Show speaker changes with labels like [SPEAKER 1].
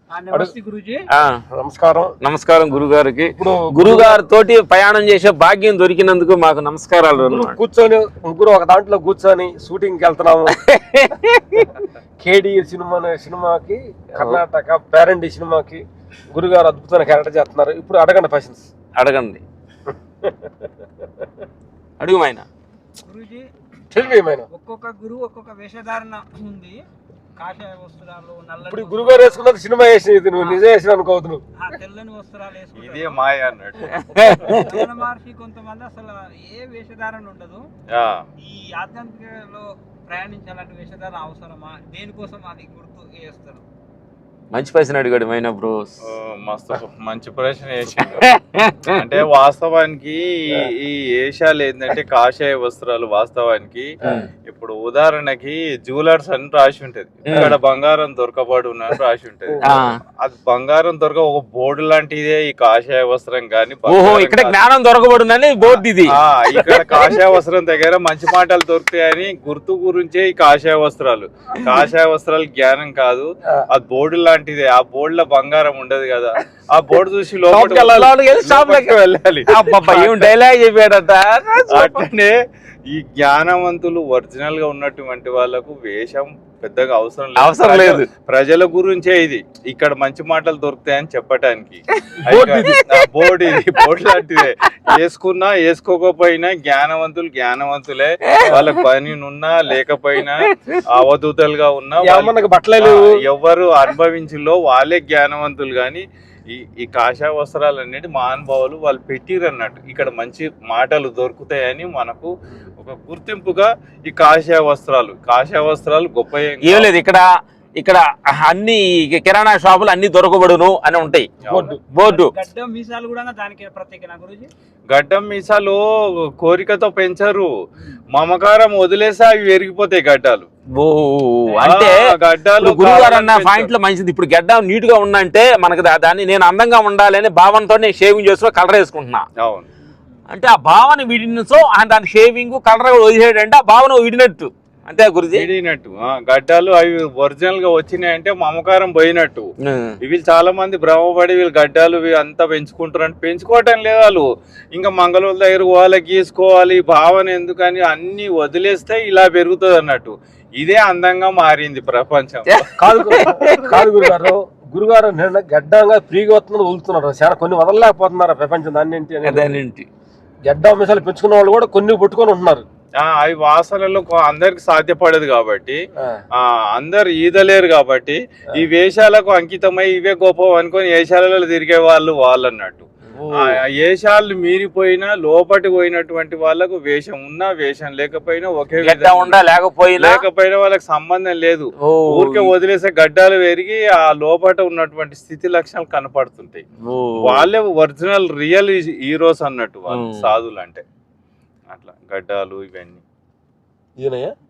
[SPEAKER 1] నమస్కారం.
[SPEAKER 2] నమస్కారం గురుగారికి. ఇప్పుడు గురుగారు తోటి ప్రయాణం చేసే భాగ్యం దొరికినందుకు మాకు నమస్కారాలు.
[SPEAKER 1] కూర్చొని ముగ్గురు ఒక దాంట్లో కూర్చొని షూటింగ్ కి వెళ్తున్నాము. కేడి సినిమాకి కర్ణాటక పేరండి సినిమాకి గురుగారు అద్భుతమైన క్యారెక్టర్ చేస్తున్నారు. ఇప్పుడు అడగండి క్వశ్చన్స్.
[SPEAKER 2] అడగండి. అడుగు మైనా.
[SPEAKER 3] గురూజీ,
[SPEAKER 2] ఒక్కొక్క
[SPEAKER 3] గురువు ఒక్కొక్క వేషధారణ ఉంది. కాషాయ వస్త్రాలు,
[SPEAKER 1] ఇప్పుడు గురుగారు వేసుకున్నది సినిమా వేసినది, నువ్వు నిజం వేసిన అనుకోవద్దు. నువ్వు
[SPEAKER 3] తెల్లని వస్త్రాలు వేసుకుంటారు.
[SPEAKER 4] ఇదే మాయ అన్నట్టు.
[SPEAKER 3] మహర్షి కొంతమంది అసలు ఏ వేషధారణ ఉండదు. ఈ ఆధ్యాత్మికలో ప్రయాణించాలంటే వేషధారణ అవసరమా? దేనికోసం అది గుర్తు చేస్తారు?
[SPEAKER 2] మంచి ప్రశ్న అడిగాడు మైనా బ్రో.
[SPEAKER 4] మస్తు మంచి ప్రశ్న వేసిండు. అంటే వాస్తవానికి ఈ వేషాలు ఏంటంటే కాషాయ వస్త్రాలు వాస్తవానికి ఇప్పుడు ఉదాహరణకి జ్యువెలర్స్ అని రాసి ఉంటది, ఇక్కడ బంగారం దొరకబడు అని రాసి ఉంటది. అది బంగారం దొరక ఒక బోర్డు లాంటిదే ఈ కాషాయ వస్త్రం గాని.
[SPEAKER 2] ఇక్కడ జ్ఞానం దొరకబడునని బోర్డు ఇది.
[SPEAKER 4] ఇక్కడ కాషాయ వస్త్రం దగ్గర మంచి మాటలు దొరుకుతాయని గుర్తు గురించే ఈ కాషాయ వస్త్రాలు. కాషాయ వస్త్రాలు జ్ఞానం కాదు, అది బోర్డు లాంటిదే. ఆ బోర్డు లో బంగారం ఉండదు కదా, ఆ బోర్డు చూసి లోపలికి వెళ్ళాలి.
[SPEAKER 2] డైలాగ్ చెప్పాడట.
[SPEAKER 4] అట్లనే ఈ జ్ఞానవంతులు ఒరిజినల్ గా ఉన్నటువంటి వాళ్ళకు వేషం పెద్దగా అవసరం లేదు. ప్రజల గురించే ఇది. ఇక్కడ మంచి మాటలు దొరుకుతాయని చెప్పటానికి బోర్డు లాంటిదే. వేసుకున్నా వేసుకోకపోయినా జ్ఞానవంతులే. వాళ్ళకి పని ఉన్నా లేకపోయినా అవధూతలుగా ఉన్నా ఎవరు అనుభవించిలో వాళ్ళే జ్ఞానవంతులు. గాని ఈ కాషాయ వస్త్రాలు అనేది మహానుభావులు వాళ్ళు పెట్టిరు అన్నట్టు. ఇక్కడ మంచి మాటలు దొరుకుతాయని మనకు ఒక గుర్తింపుగా ఈ కాషాయ వస్త్రాలు గొప్ప
[SPEAKER 2] ఏం లేదు. ఇక్కడ అన్ని కిరాణా షాపులు అన్ని దొరకబడును అని ఉంటాయి. బోర్డు.
[SPEAKER 4] గడ్డం మీసాలు కోరికతో పెంచరు, మమకారం వదిలేసి అవి పెరిగిపోతాయి గడ్డాలు.
[SPEAKER 2] అంటే గడ్డాలు గురుగారు అన్న పాయింట్ లో మంచిది. ఇప్పుడు గడ్డ నీట్ గా ఉందంటే మనకు దాన్ని నేను అందంగా ఉండాలి అనే భావనతో నేను షేవింగ్ చేస్తూ కలర్ వేసుకుంటున్నా.
[SPEAKER 4] అవును.
[SPEAKER 2] అంటే ఆ భావన విడినసో దాని షేవింగ్ కలర్ వదిలేడంటే ఆ భావన విడినట్టు. అంతే గురుజీ.
[SPEAKER 4] విడినట్టు గడ్డాలు అవి ఒరిజినల్ గా వచ్చినాయంటే మమకారం పోయినట్టు. వీళ్ళు చాలా మంది భ్రమపడి వీళ్ళు గడ్డాలు అంతా పెంచుకుంటారు అంటే పెంచుకోవటం లేదు. వాళ్ళు ఇంకా మంగళూరు దగ్గర వాళ్ళకి గీసుకోవాలి భావన ఎందుకని అన్ని వదిలేస్తే ఇలా పెరుగుతుంది అన్నట్టు. ఇదే అందంగా మారింది ప్రపంచం.
[SPEAKER 1] కాదు గురుగారు గడ్డంగా ఫ్రీగా వస్తున్నారు, వదులుతున్నారు. చాలా కొన్ని వదలలేకపోతున్నారు ప్రపంచం. దాన్ని గడ్డ మిసాలు పెంచుకున్న వాళ్ళు కూడా కొన్ని పట్టుకొని ఉంటున్నారు.
[SPEAKER 4] అవి వాసనలో అందరికి సాధ్యపడదు కాబట్టి, అందరు ఈదలేరు కాబట్టి ఈ వేషాలకు అంకితమై ఇవే గొప్ప అనుకొని వేషాలలో తిరిగే వాళ్ళు అన్నట్టు. వేషాలు మీరిపోయినా లోపటి పోయినటువంటి వాళ్ళకు వేషం ఉన్నా వేషం లేకపోయినా ఒకే లేకపోయినా వాళ్ళకి సంబంధం లేదు. ఊరికే వదిలేసే గడ్డాలు పెరిగి ఆ లోపట ఉన్నటువంటి స్థితి లక్షణాలు కనపడుతుంటాయి. వాళ్ళే ఒరిజినల్ రియల్ హీరోస్ అన్నట్టు వాళ్ళు సాధువులు అంటే. అట్లా గడ్డాలు ఇవన్నీ.